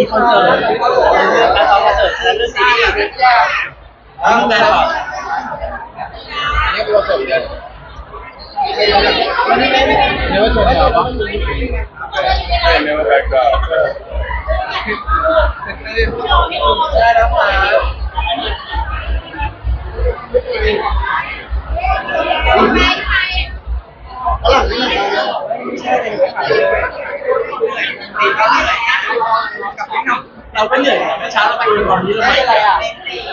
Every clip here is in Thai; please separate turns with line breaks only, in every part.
มีคอนเสิร์ตเรื่องการซ้อมคอนเสิร์ตและเรื่องซีรีส์ต้องดูแลก่อน
นี่เป็นคอนเสิร์ตเดียวเนื้อชนเหรอเนื้อแบกก็ได้แล้วมา
เราก็เหนื่อยเมื่อเช้าเราไปดูตอนนี้เราไม่อะไรอ่ะ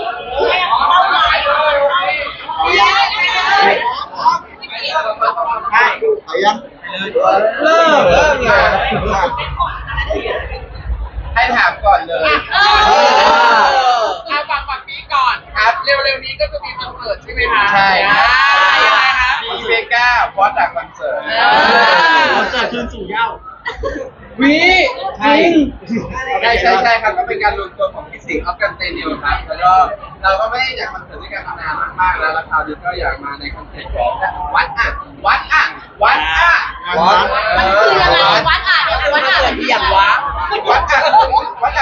ไปยัง
เริ่มไงให้ถามก่อนเลย
ฝั่งนี้ก่อนครับเร็วๆนี้ก็จะมีคอนเสิร์ตใช่ไหมคะ
ใช่ครับ
อะไรคะ
มีเบก้าฟอสจากคอนเสิร์ต
คอนเสิร์ตคืนสู่เหย้า
วิจริงใช่ครับก็เป็นการรวมตัวของพี่สิงห์ออฟกันเตนิวครับแล้วก็เราก็ไม่ได้อยากคอนเสิร์ตด้วยกันมานานมากๆแล้วคราวนี้ก็อยากมาในคอนเสิร์ตของวัดมันคืออะไร
วัด
ที่อย่างวะ
วัดอยู่วัด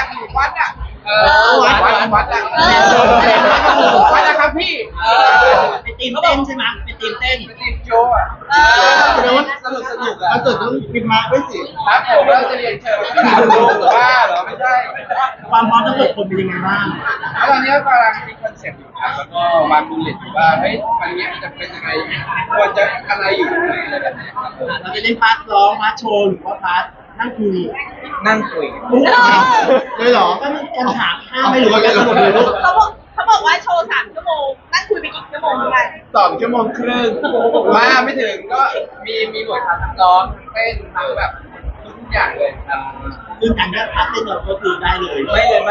นะครับพี่
เป็นทีมเต้นใช่ไหมเป็นทีมเต้น
เป็นทีมโจอ่ะสนุกอ่ะ
มันเกิดต้องพิมพ์มาด้วยสิ
ครับผมเราจะเรียนเชิญบ้าเหรอไม่ใช่
ความพร้อมทั้งหมดคนเป็นยังไงบ้าง
แล้วตอนนี้กำลังมีคอนเซ็ปต์อยู่ครับแล้วก็วางบูลเลตอยู่ว่าเฮ้ยวันนี้มันจะเป็นยังไงควรจะอะไรอยู่ตรงไหนอะไรแบบนี้ครับ
เราจะเล่นพาร์ทร้องพาร์ทโชว์หรือว่าพาร์ทนั่งคุย
เลยเหรอ
ก็มันการถามข้ามไม่หรือว่าการสรุปเลยลูก
เขาบอกว่าโชว์3 ชั่วโมงนั่งคุยไปกี่ชั่วโมงกัน
2 ชั่วโมงครึ่งมาไม่ถึงก็มีบททำร้องเต้นทั้งแบบทุกอย่างเลยครับ
ซึ่งการได้พาร์ทเต้นเราก็คือได้เลย
ไม่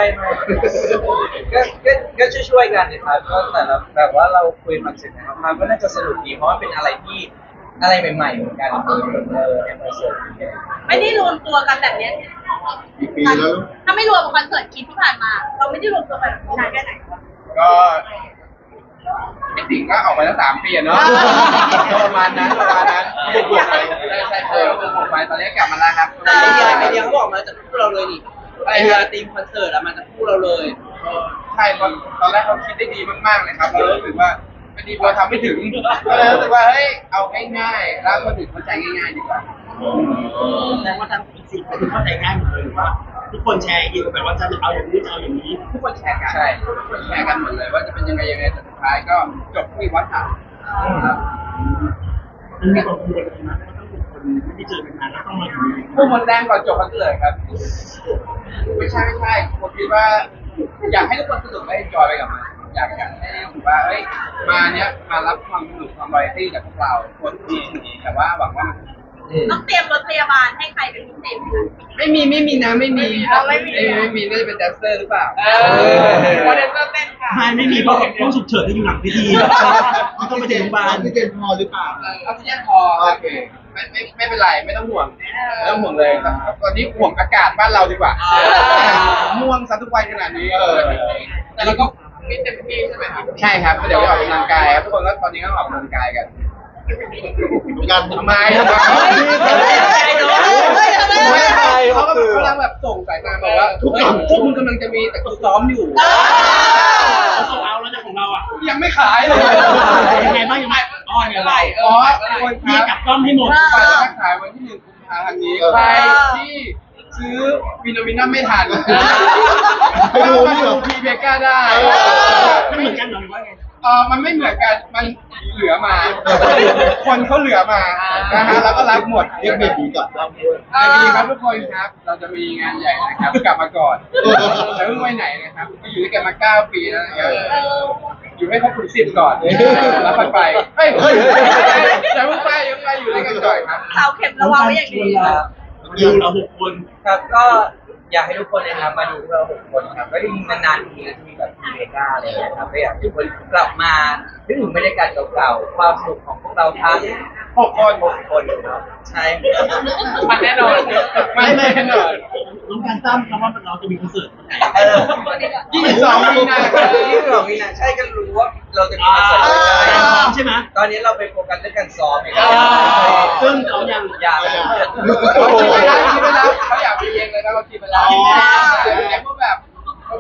ก็ช่วยกันนะครับก็แต่ละแบบว่าเราคุยคอนเซ็ปต์นะครับก็น่าจะสนุกดีเพราะว่าเป็นอะไรที่อะไรใหม่ๆเหมือนกันในคอนเสิร์ต
ไม่ได้รวมตัวกันแบบนี้
กี่ปีแล้ว
ถ้าไม่รวมคอนเสิร์ตคิดที่ผ่านมาเราไม่ได้รวมตัวกันนานแค่ไหน
ก็พี่สิงห์ก็ออกมาตั้ง3 ปีเนาะประมาณนั้นบวกไปใช่บวกไปตอนนี้กลับมาแล้วครับ
ไอเดียเขาบอกมาจากคู่เราเลยนี่ไอเดียทีมคอนเสิร์ตมาจากคู่เราเลย
ใช่ตอนแรกเขาคิดได้ดีมากๆเลยครับเรารู้สึกว่าพอดีพอทำไม่ถึงก็เลยรู้สึกว่าเฮ้ยเอาง่ายๆแล้วคนอื่นเข้าใจง่ายๆดีกว่า
แสดงว่าทั้ง4 คนเข้าใจง่ายหมดเลยหรือว่าทุกคนแชร์เกี่ยวกับแบบว่าจะเอาอย่างนี้จะเอาอย่างนี้
ทุกคนแชร์กันใช่ทุกคนแชร์กันหมดเลยว่าจะเป็นยังไงแต่สุดท้ายก็จบที่วัดอ่ะ
มันมีความกังวลอะไรไหมต้องเป็นคนไม่ได้เจอกันนานแล้วต้องมาอยู่
พวกมันแรงก่อนจบคอนเสิร์ตครับไม่ใช่ผมคิดว่าอยากให้ทุกคนสนุกและเอนจอยไปกับมันอยากให้รู้ว่าเอ้ยมาเนี้ยมารับความสนุกความวาไรตี้จากพวกเราคนที่แต่ว่าหวังว่า
ต้องเตรียมรถพยาบาลให้ใครเป็นพิเศษ
ไม่มีนะไม่มีน่าจะเป็นแดนเซอร์หรือเปล่า
เพราะแดนเซอร์เต้นค่ะ
ไม่มีเพราะต้องฉุกเฉินที่อยู่หลังพิธีต้องไปถึงโรงพยาบาล
ที่เจนพอหรือเปล่า
ออกซิเจนพอโอเคไม่เป็นไรไม่ต้องห่วงเลยครับตอนนี้ห่วงอากาศบ้านเราดีกว่าม่วงซะทุกวันขนาดนี้
แต่เราก็มีเต็มที่ใช่ไหมครับ
ใช่ครับเดี๋ยวออกกำลังกายครับทุกคนก็ตอนนี้ก็ออกกำลังกายกัน
การ
ทำไมเขาก็กำลังแบบส่งสายตาบอกว่าทุกอย่างพวกคุณกำลังจะมีแต่กูซ้อมอยู่
เขาส่งเอาแล้วของเราอ่ะ
ยังไม่ขายเลย
ยังไงบ้างยังไง
ยังไง
คนที่จับกล้องให้หมด
ไปจะขายวันที่1 กุมภาพันธ์นี้ใครที่ซื้อวินามินัมไม่ทันไปดูพีเบก้าได้
ไม่เหมือนกันหรอหรือว่าไง
มันไม่เหมือนกันมันเหลือมาคนเขาเหลือมานะฮะแล้วก็รับหมด
เรียกเบบีก่อนรับด้วย
ดีครับทุกคนครับเราจะมีงานใหญ่นะครับกลับมาก่อนแต่เพิ่งไปไหนนะครับอยู่ด้วยกันมา9 ปีแล้วนะครับอยู่ให้ครบถึง10 ก่อนแล้วค่อยไปเฮ้ยแต่เพิ่งไปยังไปอยู่ด้วยกันก่อนครับ
เสาเข็มระวังไว้อย่างดี
ดูเรา6 คน
ครับก็อยากให้ทุกคนนะครับมาดูพวกเรา6 คนครับก็จริงนานๆทีจะมีแบบพีเบก้าอะไรอย่างเงี้ยครับก็อยากให้ทุกคนกลับมานึกถึงบรรยากาศเก่าๆความสนุกของพวกเราทั้ง6 คนครับใช่
มันแน่นอน
ไม่แน่นอน
น้องการตั้มคำว่าเราจะมีคอนเสิร์ต
22 มีนา
22 มีนาใช่ก็รู้ว่าเราจะมีคอนเสิร์ต
ใช่ไหม
ตอนนี้เราไปโฟกัสเรื่องการซ้อม
ซึ่งเขายัง
อยาก
เขาคิดไปแล้วเขาอยากไปเองเลยนะเขาคิดไปแล้ว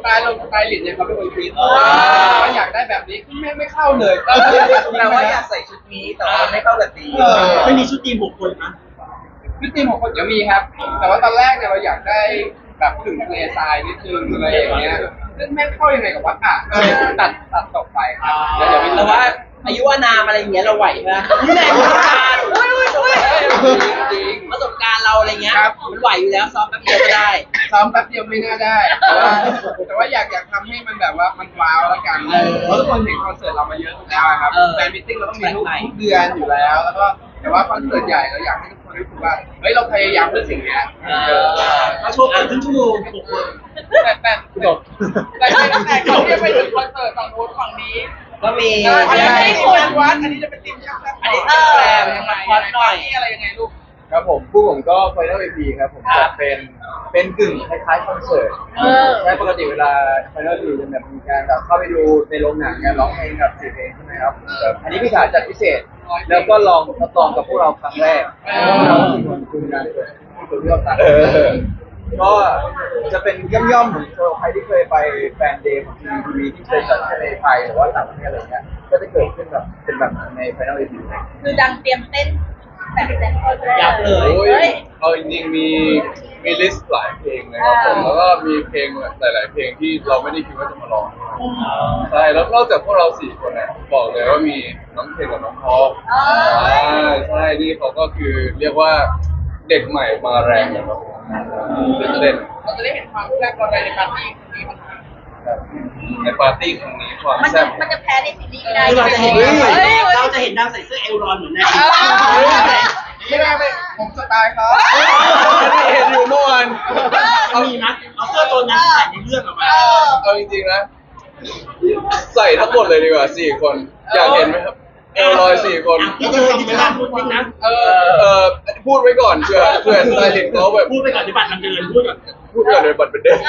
ไตล์ลินเนี่ยเขาเป็นคนคิดว่าอยากได้แบบนี้ไม่เข้าเลย
แปลว่าอยากใส่ชุดนี้แต่ว่าไม่เข้ากับตีม
ไม่มีชุดทีม6 คนนะ
พี่ทีมของคนจะมีครับ แต่ว่าตอนแรกเนี่ยเราอยากได้แบบถึงทะเลทรายนิดนึงอะไรอย่างเงี้ยซึ่งไม่เข้ายังไงกับวัดอ่ะก็เลยตัดตกไปครับแล้วเดี๋ยว
แต่ว่าอายุอานามอะไรอย่างเงี้ยเราไหวไหมนี่แหละประสบการณ์
จริง
ประสบการณ์เราอะไรเงี้ย
ครับ
มันไหวอยู่แล้วซ้อมแป๊บเดียวก็ได้
ซ้อมแป๊บเดียวไม่น่าได้ แต่ว่าอยากทำให้มันแบบว่ามันว้าวแล้วกันเพราะทุกคนเห็นคอนเสิร์ตเรามาเยอะแล้วครับแฟนมิทติ้งเราต้องมีทุกเดือนอยู่แล้ว แล้วก็แต่ว่าคอนเสิร์ตใหญ่เราอยากให้ทุกคนรู้สึกว่าเฮ้ยเราพยายามเพื่อสิ่งเนี้ย
เราโชว์กันครึ่งชั่วโมง6 คน
แต่ก่อนที่จะไปถึงคอนเสิร์ตฝั่งโน้นฝั่งนี้
ก็มี
อันนี้ควรวัดอันนี้จะเป็นทีมช่างอันนี้แปลยังไงอะไรยังไงลูก
ครับผมผู้ผมก็ Final EP ครับผมจะเป็นกึ่งคล้ายๆคอนเสิร์ตใช่ปกติเวลา Final EP จะแบบมีการแบบเข้าไปดูในโรงหนังการร้องเพลงกับ4 เพลงใช่ไหมครับแบบอันนี้พี่ถาจัดพิเศษ แล้วก็ลองทดลองกับพวกเราครั้งแรกเราสี่คนคุยกันคุยเรื่องต่างก็จะเป็นย่อมๆเหมือนใครที่เคยไปแฟนเดย์ของทีวีที่เคยจัดในไทยหรือว่าต่างประเทศอะไรเงี้ยก็จะเกิดขึ้นแบบเป็นแบบใน Final EP
คือดังเตรียมเต้นแบบแต่คนแรก
ยับเลย
เฮ้ย
เอาจริงๆมีลิสต์หลายเพลงเลยครับผมแล้วก็มีเพลงหลายๆเพลงที่เราไม่ได้คิดว่าจะมาร้องใช่แล้วนอกจากพวกเรา4 คนเนี่ยบอกเลยว่ามีน้องเพลงกับน้องทองใช่นี่เขาก็คือเรียกว่าเด็กใหม่มาแรงเลยครับตื่นเต้น
เราจะได้เห็นความแซ่บความแรงในปาร์ตี้นี้มัน
ในปาร์ตี้ครั้งนี้ความ
มัน
แซ่
จะ
บ
มันจะแพ้ในซีรีส์ได้
เราจะเห็น
ฮ้ย
เราจะเห็นดาวใส่เสื้อเอลรอนเหมือนใน
ไม่ได้ไม่ผมสไตล์เขา
เห็นอยู่เมื่อวาน
เอามีมั้ยเอาเสื้อตัวนั้นใส่ในเรื่องออกมา
เอาจริงๆนะใส่ทั้งหมดเลยดีกว่า4 คนอยากเห็นไหมครับเอลลอย4 คน
พี่เจอดิจิทัลพูดนิดนะ
พูดไว้ก่อนเผื่อสไตลิสต์เขาแบบ
พูดไปก่อนที่บัตรมันเดินพูดก่อน
พูดก่อนเลยบัตรเป็นเด็ก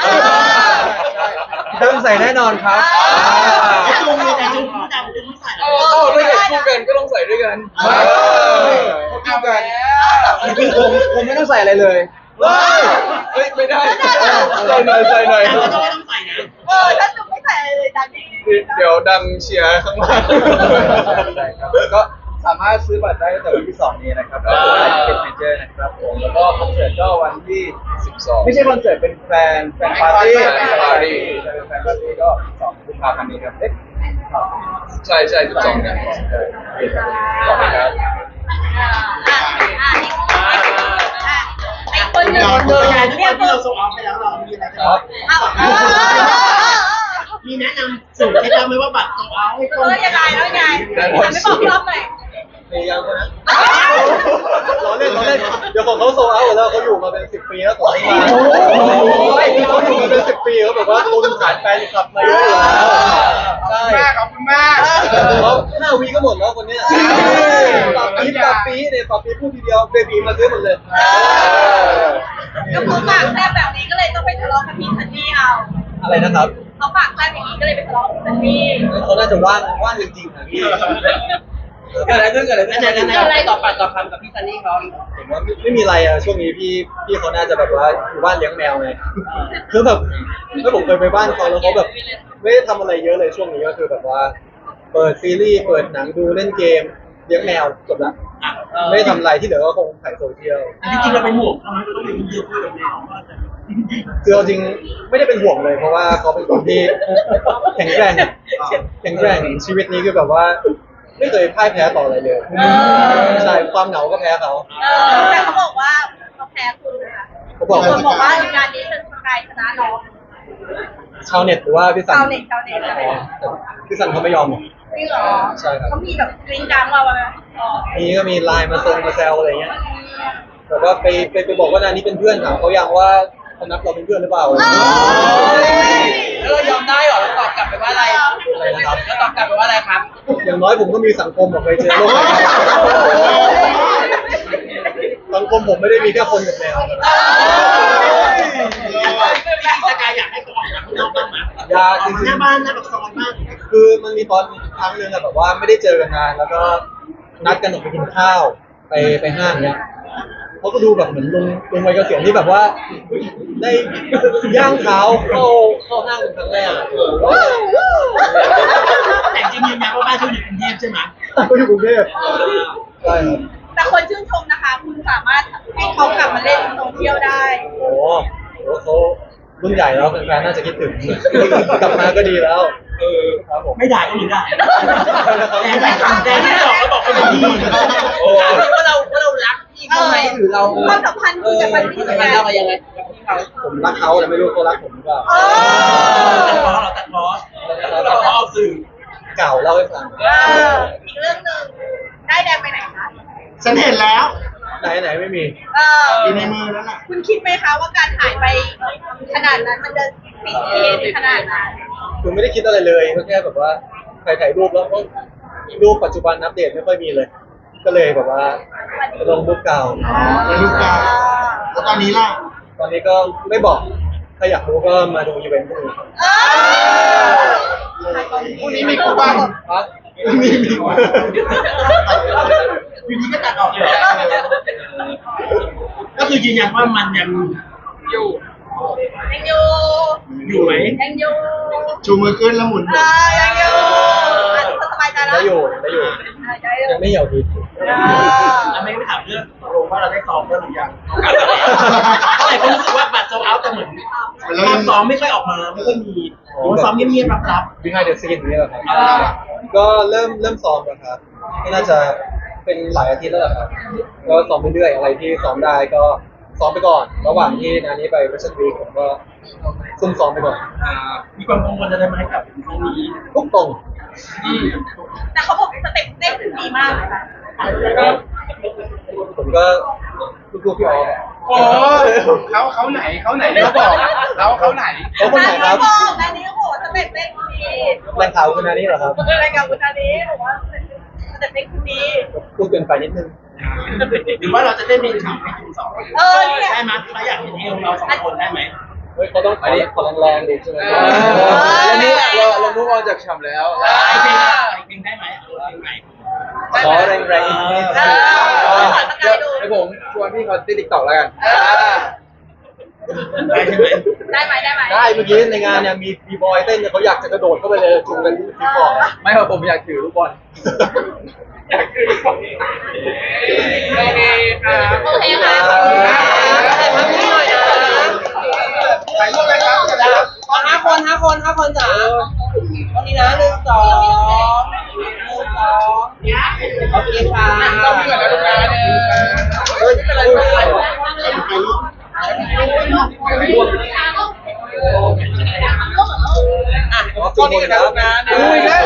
ต้องใส่แน่นอนครับ
แต่จุงเลยแต่จุงพูดดังจุงไม่ใส่
เอ้าถ้าเกิดคู่กันก็ต้องใส่ด้วยกัน
เอากัน
ผมไม่ต้องใส่อะไรเลย
เฮ้ยไม่ได้ใส่หน่อย
แต่ก็ไม่ต้องใส่นะ
ถ้าจุ๊บไม่ใส่อะไรเลยดังนี้
เดี๋ยวดังเชียร์ข้างล่าง
ก็สามารถซื้อบัตรได้ตั้งแต่วันที่ 2 นี้นะครับก็คือไลฟ์เก็ตเมเจอร์นะครับผมแล้วก็คอนเสิร์ตก็วันที่
12
ไม่ใช่คอนเสิร์ตเป็นแฟนปาร์ตี้ใช่เป็นแฟนปาร์ตี้ก็2 กุมภาพันธ์นี้ครับ
ใช่12เนี่ย
ขอบคุณครับ
ไอ้คนหนึ่ง
เจอการที่เราส่งออกไปแล้วเรามีอะไรจะบอกมีแนะนำสูตรให้เราไหมว่าบัตรส่งออกให้คน
ยังไงแล้วไงไม่บอกรอบหน่อย
พยายามนะเราเล่นเดี๋ยวของเขาโซเอาแล้วเขาอยู่มาเป็น10 ปีแล้วของเขาเขาอยู่มาเป็น10 ปีเขาแบบว่าตุนฐานแฟนคลับมาเยอะอยู่แล้วใช่
ขอบคุณมาก
เขา5 วีก็หมดแล้วคนนี้ปรับปีเนี่ยปรับปีพูดทีเดียวเบบีมาซื้อหมดเลย
ก็คือปากแซ่บแบบนี้ก็เลยต้องไปทะเลาะกับพี่ซันนี่เอา
อะไรนะครับ
เขาปากแซ่บอย่างนี้ก็เลยไปทะเลาะกับพี่ซันนี่
เขาน่าจะว่างจริงๆนะพี่
เกิดอะไรขึ้นอะไรต่อปากต่อคำกับพี่ซันนี่เขา
ผมว่าไม่มีอะไรอะช่วงนี้พี่เขาน่าจะแบบว่าอยู่บ้านเลี้ยงแมวไงคือแบบถ้าผมเคยไปบ้านเขาแล้วเขาแบบไม่ได้ทำอะไรเยอะเลยช่วงนี้ก็คือแบบว่าเปิดซีรีส์เปิดหนังดูเล่นเกมเลี้ยงแมวจบละไม่ได้ทำอะไรที่เหลือก็คงถ่ายโซเชียล
จริงๆเราเป็นห่วงเขาไหมเราต้องเป็นเยอะพูดกับแมวว่าจะ
คือเอาจริงไม่ได้เป็นห่วงเลยเพราะว่าเขาเป็นคนที่แข็งแรงชีวิตนี้คือแบบว่าไม่เคยพ่ายแพ้ต่ออะไรเลยใช่ความเหงาก็แพ้เขา
แต่เขาบอกว่าเขาแพ้คุณนะคะ
เขาบอก
คนบอกว่างานนี้เป็นสกายชนะน้อง
ชาวเน็ตหรือว่าพี่สัน
ชาวเน็ต
พี่สันเขาไม่ยอมหรอก
จริงเหรอ
ใช่ครับ
เขามีแบบกริ้งกลางเราไหม
นี่ก็มีไลน์มาแซวอะไรเงี้ยแบบว่าไปบอกว่านานนี้เป็นเพื่อนถามเขายังว่าเขานับเราเป็นเพื่อนหรือเปล่า
แล้วเรายอมได้หรอเราตอบกลับไปว่าอะไร
อะไรนะครับ
แล้วตอบกลับไปว่าอะไรครับ
อย่างน้อยผมก็มีสังคมออกไปเจอโลกสังคมผมไม่ได้มีแค่คนกับแมว
สกายอยากให้เขาออกจากข้างนอกบ้างไหม
ยาจริง
หน้าบ้านหน้าปากซอยบ้าง
ๆคือมันมีตอนครั้งหนึงอะแบบว่าไม่ได้เจอกันนานแล้วก็นัดกันออกไปกินข้าวไปห้างเนี้ย
เขาก็ดูแบบเหมือนลุงวัยเกษียณที่แบบว่า ได้ย่างเท้าเข้าห้างเป็นครั้งแรกอะ
แต่จริงยืนยันว่าบ้านเขาอยู่กรุงเทพใช่ไหม
เขาอยู่กรุงเทพใช่ครับ
แต่คนชื่นชมนะคะ คุณสามารถให้เขากลับมาเล่นโซเชียลได้
โอ้โหเขารุ่นใหญ่แล้วแฟนๆน่าจะคิดถึง กลับมาก็ดีแล้วครับผม
ไม่ด่าก็หรือด่าแต่ที่บอกแล้วบอกเขาเป็นดี
โอ้ว่าเรารักพี่เขาไหมหรือเรา
ความสัมพันธ์คุณกับมันนี่
สั
ยั
ม
ง
พันธ์
ไง
เรากันยังไงกับพี่เขา
ผมรักเขาแต่ไม่รู้เขารักผมหรือเปล่า
ตัดล้อเราตัดล้อเราเอาสื่อ
เก่าเล่าให้ฟัง
อีกเรื่องหนึ่งได้แดงไปไหนคะ
ฉันเห็นแล้ว
ไหนไม่มี
อยู่ในมือแล้วน่ะ
คุณคิดไหมคะว่าการหายไปขนาดนั้นมันจะติดเทรนด์ขนาดนั้น
คือไม่ได้คิดอะไรเลยก็แค่แบบว่าใครถ่ายรูปแล้วก็รูปปัจจุบันอัปเดตไม่ค่อยมีเลย ก็เลยแบบว่าลงรูปเก่า
ในรูปเก่าแล้วตอนนี้ล่ะ
ตอนนี้ก็ไม่บอก ถ้าอยากรู้ก็มาดูอีเวนต์พวกนี้
พรุ่งนี้มีคู่บ้าง
ครับ
มี
อยู่ที่ก็ตัดออกเลยก็คือยืนยันว่ามันยังอยู่
ยังอยู่
อยู่ไหม
ยังอยู่
ชูมือขึ้นแล้วหมุน
ยังอยู่ทุกคนสบายใจแล้ว
ได้อยู่ยังไม่เหี่ยวดี
แล้วไม่ถามเรื่องโรงว่าเราได้ซ้อมแล้วหรือยังเท่าไหร่ก็รู้สึกว่าบัตรโซลเอาท์แต่เหมือนภาพซ้อมไม่ค่อยออกมาไม่ค่อยมีซ้อมเงียบๆรับ
behind the scene นี่แหละครับก็เริ่มซ้อมแล้วครับก็น่าจะเป็นหลายอาทิตย์แล้วแหละครับก็ซ้อมเรื่อยๆอะไรที่ซ้อมได้ก็ซ้อมไปก่อน ระหว่างที่นานี้ไปเวสต์วีคผมก็ซุ่มซ้อมไปก่อน
มีความกังวลอะไรไหมกับครั้งนี้
ทุกตรง
แต่เขาบอกสเต็ปเต้นดีมากเลยค่ะ
ผมก็ลูกๆพี่ออฟ
โอ้เขาไหนเขาบอกเขาไหน
เขาคนไหนครับ
นายนี้ก็บอกว่าสเต็ปเต้นดี
แรงข่าวคือนานี้เหรอครับ
อะไรกับคุณนานี้บอกว่าสเต็ปเต้นดี
พูดเกินไปนิดนึง
หรือว่าเราจะเต้นเป็นข่าวให้คุณสอง
เนี่ย
ได้ไหมเราอยากเห็นเอวเราสองคนได้ไหม
เฮ้ยเขาต้องขอแรงๆดิใช่ไหม
แล้วนี่เรามุ่งออนจากฉ่ำแล้ว
ไอเพลงได้ไหมเพลงไหน
ขอแรงๆนิดนึง
เดี๋ยวผมชวนพี่เขาติดติ๊กต็อกแล้วกัน
ได้ใช่ไหม
ได้ไหม
ได้เมื่อกี้ในงานเนี่ยมีบีบอยเต้นเนี่ยเขาอยากจะกระโดดเข้าไปเลยจูงกันที่บอล
ไม่ครับผมอยากถือลูกบอล
โอเคค่ะ
ถ่ายรูปเลยครับ
5 คนจ้ะตอนนี้นะ1 2 1 2โอเคค่ะ
ต้องมีก่อนนะลูกค้าเนี่ย
เฮ้ย
ไปลูก
อ่ะ
ก็นี่กันนะลูกค้าเนี่ย